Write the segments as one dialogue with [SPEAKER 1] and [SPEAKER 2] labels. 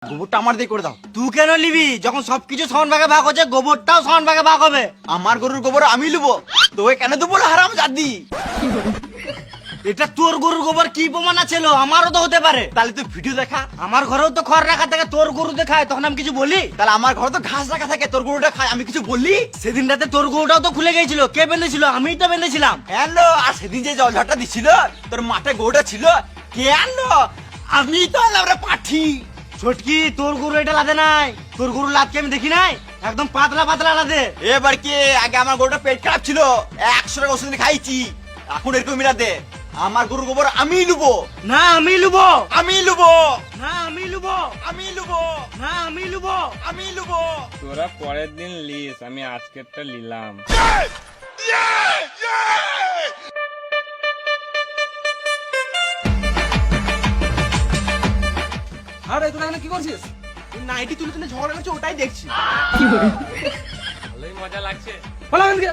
[SPEAKER 1] গোবরটা আমার দিয়ে করে দাও।
[SPEAKER 2] তুই কেন নিবি? যখন সবকিছু সমান ভাগে ভাগ হচ্ছে, গোবরটাও সমান ভাগে ভাগ হবে।
[SPEAKER 1] আমার গরুর গোবর আমি লুবো, তোকে কেন দেবো হারাম জাদি?
[SPEAKER 2] এটা তোর গরুর গোবর কি প্রমাণ আছে? আমারও তো হতে পারে।
[SPEAKER 1] তাহলে তুই ভিডিও দেখা।
[SPEAKER 2] আমার ঘরেও তো খড় রাখা থাকে, তোর গরু দেখায়, তখন আমি কিছু বলি?
[SPEAKER 1] তাহলে আমার ঘরে তো ঘাস রাখা থাকে, তোর গরুটা খায়, আমি কিছু বললি?
[SPEAKER 2] সেদিন রাতে তোর গরুটাও তো খুলে গেছিল, কে বেঁধেছিল? আমিই তো বেঁধেছিলাম।
[SPEAKER 1] হ্যালো, আর সেদিন যে জল ঝড়টা দিছিল, তোর মাঠে গরুটা ছিল, কে আনলো? আমি তো আনলাম রে পাঠি।
[SPEAKER 2] ছোটকি, তোর গরু এটা লাদে নাই। তোর গরু লাদকে আমি দেখি নাই, একদম পাতলা পাতলা লাদে।
[SPEAKER 1] এবার কি? আগে আমার গরুটা পেট খারাপ ছিল, 100 টাকা ওষুধ এনে খাইছি, এখন এরকম মিলা দে। আমার গরুর গোবর আমি লুবো,
[SPEAKER 2] না আমি লুবো,
[SPEAKER 1] আমি লুবো,
[SPEAKER 2] না আমি লুবো,
[SPEAKER 1] আমি লুবো,
[SPEAKER 2] না আমি লুবো।
[SPEAKER 1] আমি লুবো।
[SPEAKER 3] তোরা পরের দিন লিস, আমি আজকেরটা নিলাম।
[SPEAKER 4] আরে তোরা এখানে কি করছিস?
[SPEAKER 1] নাইটি তুলে তুলে ঝগড়া করছে, ওটাই দেখছি।
[SPEAKER 3] ভালোই মজা লাগছে।
[SPEAKER 4] বলো এখান থেকে।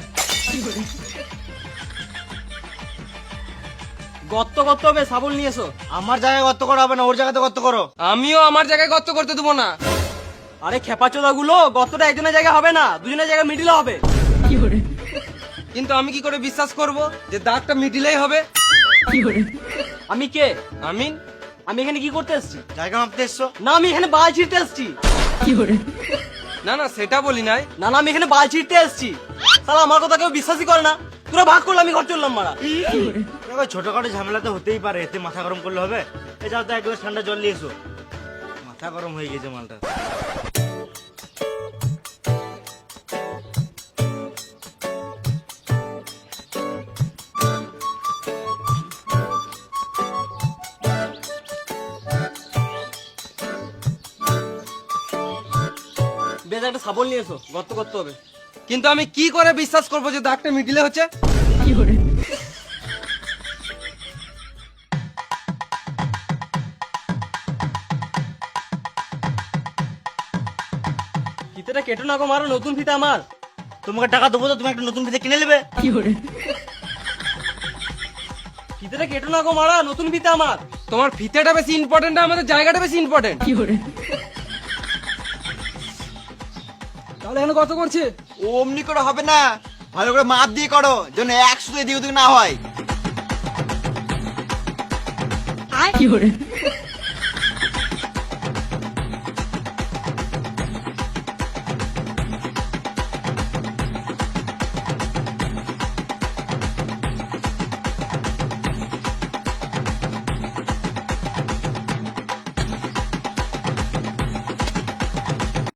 [SPEAKER 4] গর্ত করতে হবে, শাবল নিয়ে এসো।
[SPEAKER 2] আমার জায়গায় গর্ত করা হবে না, ওর জায়গাতে গর্ত করো।
[SPEAKER 4] আমিও আমার জায়গায় গর্ত করতে দেবো না। আরে খেপাচোদা গুলো, গর্তটা একজনের জায়গায় হবে না, দুজনের জায়গায় মিডিলে হবে। কিন্তু আমি কি করে বিশ্বাস করব যে দাগটা মিডিলেই হবে? আমি কে? আমি এখানে কি করতে এসেছি?
[SPEAKER 2] জায়গা মাপতে এসছো?
[SPEAKER 4] না, আমি এখানে বাল ছিঁড়তে এসেছি। না না, সেটা বলি নাই। না না, আমি এখানে বাল ছিঁড়তে এসেছি। শালা আমার কথা কেউ বিশ্বাসই করে না। তোরা ভাগ করলে আমি ঘর চললাম মারা।
[SPEAKER 2] দেখো, ছোটখাটো ঝামেলা তো হতেই পারে, এতে মাথা গরম করলে হবে? এ যাও তো এক গ্লাস ঠান্ডা জল নিয়ে এসো, মাথা গরম হয়ে গেছে মালটা।
[SPEAKER 4] বেশ, একটা শাবল নিয়ে এসো, গর্ত করতে হবে। কিন্তু আমি কি করে বিশ্বাস করবো যে দাগটা মিডিলে হচ্ছে? ফিতেটা কেটো না গো, মারো, নতুন ফিতে আমার।
[SPEAKER 2] তোমাকে টাকা দেবো তো তুমি একটা নতুন ফিতে কিনে নেবে।
[SPEAKER 4] ফিতেটা কেটো না গো, মারা, নতুন ফিতে আমার। তোমার ফিতেটা বেশি ইম্পর্টেন্ট, আমাদের জায়গাটা বেশি ইম্পর্টেন্ট। তাহলে এখানে কত করছে?
[SPEAKER 1] অমনি করে হবে না, ভালো করে মাপ দিয়ে করো, যেন 100 এদিক ওদিক না হয়।